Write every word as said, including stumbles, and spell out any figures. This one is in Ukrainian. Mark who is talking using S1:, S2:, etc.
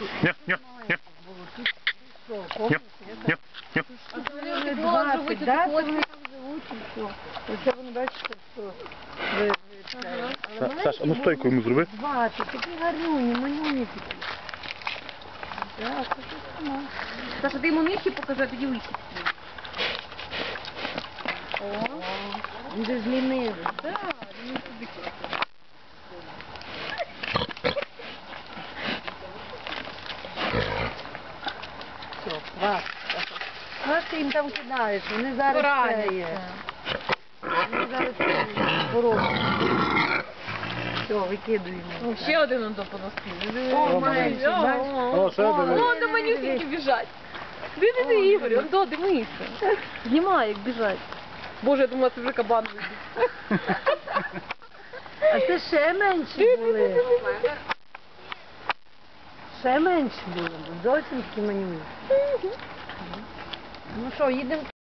S1: Ня, ня, ня. Ня, ня, ня.
S2: А то вони от такого живуть,
S3: да,
S2: от
S3: то вони
S2: такого.
S3: там живуть і все. Оце вони бачите, що ви, ви це. Але
S1: Са-
S3: маленькі
S1: Саш, а ну стойку йому зроби.
S3: двадцять, такі гарнюні, малюні такі. Так, це сама.
S2: Саша, ти йому нижче покажи, а тоді вище. О,
S3: Він же ж лінивий.
S2: так, він собі.
S3: Все, хватить. Знаєш, ти їм там кидаєш, вони зараз це є. Вони зараз пороблять. Все, викидуємо.
S2: Ну, ще один он до поноски.
S3: О, маленький, бачиш?
S1: О, ще диви.
S2: О, до манюсіньки біжать. Диви, Ігор, он до, дивися. Знімай, як біжать. Боже, я думала, це вже кабан вибіг.
S3: А це ще менші були. Ще менші були, зовсім такі манюні. Ну що, їдемо